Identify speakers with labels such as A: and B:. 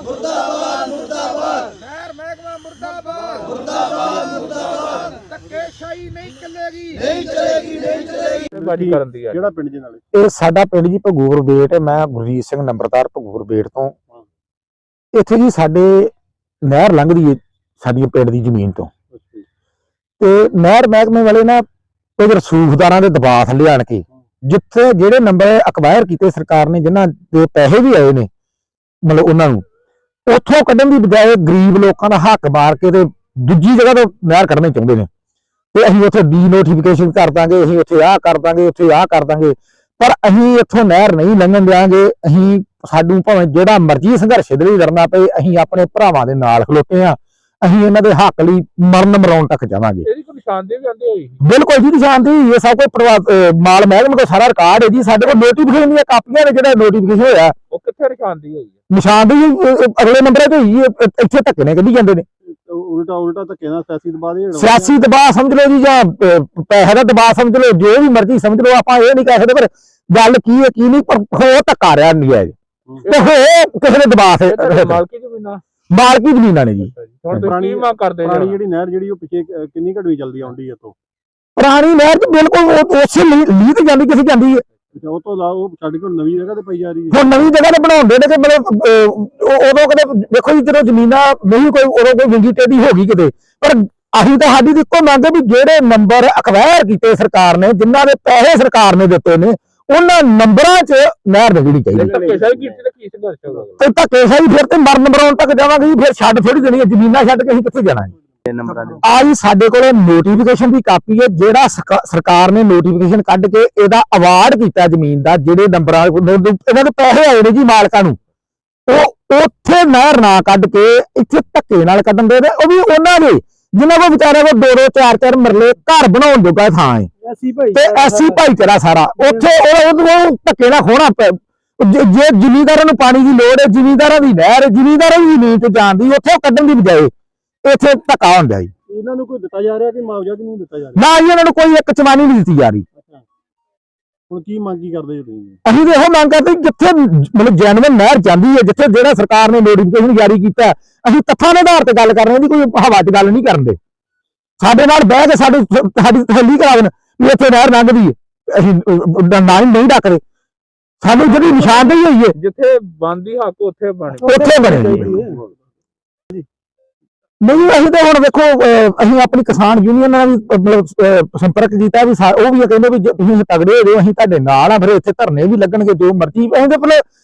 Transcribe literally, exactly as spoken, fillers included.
A: मुर्दाबाद मुर्दाबाद
B: नहर महकमा मुर्दाबाद
A: मुर्दाबाद मुर्दाबाद
B: धक्केशाही नहीं चलेगी
A: नहीं चलेगी नहीं चलेगी
C: ਬਾਜੀ ਕਰਨ ਦੀ ਆ
D: ਕਿਹੜਾ ਪਿੰਡ ਜੀ ਨਾਲੇ
E: ਇਹ ਸਾਡਾ ਪਿੰਡ ਜੀ ਭਗੂਰ ਬੇਟ। ਮੈਂ ਗੁਰਜੀਤ ਸਿੰਘ ਨੰਬਰਦਾਰ ਭਗੂਰ ਬੇਟ ਤੋਂ। ਇੱਥੇ ਜੀ ਸਾਡੇ ਨਹਿਰ ਲੰਘਦੀ ਹੈ ਸਾਡੀ ਪਿੰਡ ਦੀ ਜ਼ਮੀਨ ਤੋਂ, ਤੇ ਨਹਿਰ ਮਹਿਕਮੇ ਵਾਲੇ ਨਾ ਕੁਝ ਰਸੂਖਦਾਰਾਂ ਦੇ ਦਬਾਅ ਥੱਲੇ ਆਣ ਕੇ ਜਿੱਥੇ ਜਿਹੜੇ ਨੰਬਰ ਅਕਵਾਇਰ ਕੀਤੇ ਸਰਕਾਰ ਨੇ, ਜਿਨ੍ਹਾਂ ਦੇ ਪੈਸੇ ਵੀ ਆਏ ਨੇ ਮਤਲਬ ਉਹਨਾਂ ਨੂੰ ਉੱਥੋਂ ਕੱਢਣ ਦੀ ਬਜਾਏ ਗਰੀਬ ਲੋਕਾਂ ਦਾ ਹੱਕ ਮਾਰ ਕੇ ਤੇ ਦੂਜੀ ਜਗ੍ਹਾ ਤੋਂ ਨਹਿਰ ਕੱਢਣੇ ਚਾਹੁੰਦੇ ਨੇ। ਤੇ ਅਸੀਂ ਉੱਥੇ ਡੀ ਨੋਟੀਫਿਕੇਸ਼ਨ ਕਰ ਦਾਂਗੇ, ਅਸੀਂ ਉੱਥੇ ਆਹ ਕਰ ਦਾਂਗੇ, ਉੱਥੇ ਆਹ ਕਰ ਦਾਂਗੇ, ਪਰ ਅਸੀਂ ਇੱਥੋਂ ਨਹਿਰ ਨਹੀਂ ਲੰਘਣ ਦਿਆਂਗੇ। ਅਸੀਂ ਸਾਨੂੰ ਭਾਵੇਂ ਜਿਹੜਾ ਮਰਜ਼ੀ ਸੰਘਰਸ਼ ਦੇ ਲਈ ਲੜਨਾ ਪਏ, ਅਸੀਂ ਆਪਣੇ ਭਰਾਵਾਂ ਦੇ ਨਾਲ ਖਲੋਤੇ ਆ। ਅਸੀਂ ਇਹਨਾਂ ਦੇ ਹੱਕ ਲਈ ਮਰਨ ਮਰਾਉਣ ਤੱਕ ਜਾਵਾਂਗੇ।
C: ਇਹਦੀ ਕੋਈ ਨਿਸ਼ਾਨਦੇਹੀ ਵੀ ਆਂਦੀ ਹੋਈ
E: ਬਿਲਕੁਲ ਜੀ ਨਿਸ਼ਾਨਦੇਹੀ, ਇਹ ਸਭ ਕੁਝ ਮਾਲ ਮਹਿਕਮੇ ਕੋਲ ਸਾਰਾ ਰਿਕਾਰਡ ਹੈ ਜੀ। ਸਾਡੇ ਕੋਲ ਨੋਟੀਫਿਕੇਸ਼ਨ ਦੀਆਂ ਕਾਪੀਆਂ ਨੇ, ਜਿਹੜਾ ਨੋਟੀਫਿਕੇਸ਼ਨ ਹੋਇਆ
C: ਉਹ ਕਿੱਥੇ ਨਿਸ਼ਾਨਦੇਹੀ ਹੋਈ ਹੈ?
E: ਨਿਸ਼ਾਨਦੇਹੀ ਅਗਲੇ ਨੰਬਰਾਂ ਤੇ ਹੋਈ, ਇੱਥੇ ਧੱਕੇ ਨੇ ਕੱਢੀ ਜਾਂਦੇ ਨੇ।
D: ਉਲਟਾ ਉਲਟਾ ਧੱਕੇ ਨਾਲ ਸਿਆਸੀ ਦਬਾਅ ਦੇ
E: ਸਿਆਸੀ ਦਬਾਅ ਸਮਝ ਲਓ ਜੀ, ਜਾਂ ਪੈਸੇ ਦਾ ਦਬਾਅ ਸਮਝ ਲਓ, ਜੋ ਵੀ ਮਰਜ਼ੀ ਸਮਝ ਲਓ। ਆਪਾਂ ਇਹ ਨਹੀਂ ਕਹਿ ਸਕਦੇ, ਪਰ ਗੱਲ ਕੀ ਹੈ ਕੀ ਨਹੀਂ, ਪਰ ਹੋ ਧੱਕਾ ਰਿਹਾ ਨਹੀਂ ਹੈ ਤੇ ਹੋ ਕਿਸੇ ਨੇ ਦਬਾਅ ਸੇ
C: ਮਾਲਕੀ ਜ਼ਮੀਨਾਂ
E: ਮਾਲਕੀ ਜ਼ਮੀਨਾਂ ਨੇ ਜੀ।
C: ਹੁਣ ਤੁਸੀਂ ਕੀ ਮੰਗ ਕਰਦੇ
D: ਪੁਰਾਣੀ
C: ਜੀ?
D: ਜਿਹੜੀ ਨਹਿਰ ਜਿਹੜੀ ਉਹ ਪਿੱਛੇ ਕਿੰਨੀ ਘੜਵੀ ਚੱਲਦੀ ਆਉਂਦੀ ਹੈ ਤੋਂ
E: ਪੁਰਾਣੀ ਨਹਿਰ ਚ ਬਿਲਕੁਲ ਉਸੇ ਲੀ ਤੇ ਜਾਂਦੀ, ਕਿਸੇ ਜਾਂਦੀ ਹੈ।
D: ਉਹ ਤੋਂ ਲਾ ਉਹ ਸਾਡੇ ਕੋਲ ਨਵੀਂ ਜਗ੍ਹਾ ਤੇ ਪਈ ਜਾ ਰਹੀ ਹੈ।
E: ਹੁਣ ਨਵੀਂ ਜਗ੍ਹਾ ਤੇ ਬਣਾਉਂਦੇ ਨੇ, ਤੇ ਮਤਲਬ ਉਦੋਂ ਕਦੇ ਦੇਖੋ ਜੀ ਜਦੋਂ ਜ਼ਮੀਨਾਂ ਨਹੀਂ ਕੋਈ ਉਦੋਂ ਕੋਈ ਵਿੰਗੀ ਟੇਢੀ ਹੋ ਗਈ ਕਿਤੇ, ਪਰ ਅਸੀਂ ਤਾਂ ਸਾਡੀ ਤਾਂ ਇੱਕੋ ਮੰਗ ਹੈ ਵੀ ਜਿਹੜੇ ਨੰਬਰ ਅਕਵਾਇਰ ਕੀਤੇ ਸਰਕਾਰ ਨੇ, ਜਿਨ੍ਹਾਂ ਦੇ ਪੈਸੇ ਸਰਕਾਰ ਨੇ ਦਿੱਤੇ ਨੇ, ਉਹਨਾਂ ਨੰਬਰਾਂ 'ਚ ਨਹਿਰ ਲੱਗਣੀ ਚਾਹੀਦੀ।
C: ਧੱਕੇਸ਼ਾਹੀ ਕੀਤੀ ਤਾਂ ਕੀ ਸੰਘਰਸ਼ ਹੋਗਾ?
E: ਤੇ ਧੱਕੇਸ਼ਾਹੀ ਫਿਰ ਤੇ ਮਰਨ ਮਰਾਉਣ ਤੱਕ ਜਾਵਾਂਗੇ ਜੀ। ਫਿਰ ਛੱਡ ਥੋੜੀ ਦੇਣੀ ਹੈ, ਜ਼ਮੀਨਾਂ ਛੱਡ ਕੇ ਅਸੀਂ ਕਿੱਥੇ ਜਾਣਾ ਹੈ? ਆ ਜੀ ਸਾਡੇ ਕੋਲ ਨੋਟੀਫਿਕੇਸ਼ਨ ਦੀ ਕਾਪੀ ਹੈ, ਜਿਹੜਾ ਸਰਕਾਰ ਨੇ ਨੋਟੀਫਿਕੇਸ਼ਨ ਕੱਢ ਕੇ ਇਹਦਾ ਅਵਾਰਡ ਕੀਤਾ ਜ਼ਮੀਨ ਦਾ, ਜਿਹੜੇ ਨੰਬਰਾਂ ਇਹਨਾਂ ਦੇ ਪੈਸੇ ਆਏ ਨੇ ਜੀ ਮਾਲਕਾਂ ਨੂੰ, ਉਹ ਉੱਥੇ ਨਹਿਰ ਨਾ ਕੱਢ ਕੇ ਇੱਥੇ ਧੱਕੇ ਨਾਲ ਕੱਢਣ ਦੇ, ਉਹ ਵੀ ਉਹਨਾਂ ਦੇ ਜਿਨ੍ਹਾਂ ਕੋਲ ਵਿਚਾਰਿਆਂ ਕੋਲ ਦੋ ਦੋ ਚਾਰ ਚਾਰ ਮਰਲੇ ਘਰ ਬਣਾਉਣ ਜੋਗਾ ਥਾਂ ਹੈ, ਤੇ ਐਸੀ ਭਾਈਚਾਰਾ ਸਾਰਾ ਉੱਥੇ ਉਹ ਧੱਕੇ ਨਾਲ ਖੋਣਾ। ਜੇ ਜ਼ਿਮੀਂਦਾਰਾਂ ਨੂੰ ਪਾਣੀ ਦੀ ਲੋੜ ਹੈ, ਜ਼ਿਮੀਂਦਾਰਾਂ ਦੀ ਨਹਿਰ, ਜ਼ਿਮੀਂਦਾਰਾਂ ਦੀ ਜ਼ਮੀਨ ਤੇ ਜਾਣ ਦੀ, ਉੱਥੇ ਕੱਢਣ ਦੀ ਬਜਾਏ ਇੱਥੇ ਧੱਕਾ ਹੁੰਦਾ ਜੀ।
D: ਇਹਨਾਂ ਨੂੰ ਕੋਈ ਦਿੱਤਾ ਜਾ ਰਿਹਾ ਕਿ ਮੁਆਵਜ਼ਾ ਕਿ ਨਹੀਂ ਦਿੱਤਾ ਜਾ ਰਿਹਾ?
E: ਨਾ ਜੀ, ਇਹਨਾਂ ਨੂੰ ਕੋਈ ਇੱਕ ਚਵਾਨੀ ਨਹੀਂ ਦਿੱਤੀ ਜਾ ਰਹੀ।
D: ਹੁਣ ਕੀ ਮੰਗ ਕੀ ਕਰਦੇ ਜੀ ਤੁਸੀਂ?
E: ਅਸੀਂ ਤਾਂ ਇਹੋ ਮੰਗ ਕਰਦੇ ਜਿੱਥੇ ਮਤਲਬ ਜੈਨੂਇਨ ਨਹਿਰ ਜਾਂਦੀ ਹੈ, ਜਿੱਥੇ ਜਿਹੜਾ ਸਰਕਾਰ ਨੇ ਨੋਟੀਫਿਕੇਸ਼ਨ ਜਾਰੀ ਕੀਤਾ, ਅਸੀਂ ਤੱਥਾਂ ਦੇ ਆਧਾਰ ਤੇ ਗੱਲ ਕਰ ਰਹੇ ਹਾਂ, ਕੋਈ ਹਵਾ 'ਚ ਗੱਲ ਨਹੀਂ ਕਰਨ ਦੇ। ਸਾਡੇ ਨਾਲ ਬਹਿ ਕੇ ਸਾਡੀ ਸਾਡੀ ਤਸੱਲੀ ਕਰਾ ਦੇਣ ਵੀ ਇੱਥੇ ਨਹਿਰ ਲੰਘਦੀ ਹੈ, ਅਸੀਂ ਨਾ ਹੀ ਨਹੀਂ ਡੱਕਦੇ। ਸਾਨੂੰ ਜਿਹੜੀ ਨਿਸ਼ਾਨਦੇਹੀ ਹੋਈ ਹੈ,
C: ਜਿੱਥੇ ਬਣਦੀ ਹੱਕ ਉੱਥੇ ਬਣੇ,
E: ਉੱਥੇ ਬਣੇ ਨਹੀਂ। ਅਸੀਂ ਤਾਂ ਹੁਣ ਵੇਖੋ, ਅਸੀਂ ਆਪਣੀ ਕਿਸਾਨ ਯੂਨੀਅਨ ਨਾਲ ਵੀ ਮਤਲਬ ਸੰਪਰਕ ਕੀਤਾ, ਵੀ ਉਹ ਵੀ ਕਹਿੰਦੇ ਵੀ ਤੁਸੀਂ ਤਗੜੇ ਹੋ ਜਾਓ, ਅਸੀਂ ਤੁਹਾਡੇ ਨਾਲ ਆ, ਫਿਰ ਇੱਥੇ ਧਰਨੇ ਵੀ ਲੱਗਣਗੇ, ਜੋ ਮਰਜ਼ੀ। ਅਸੀਂ ਤਾਂ ਮਤਲਬ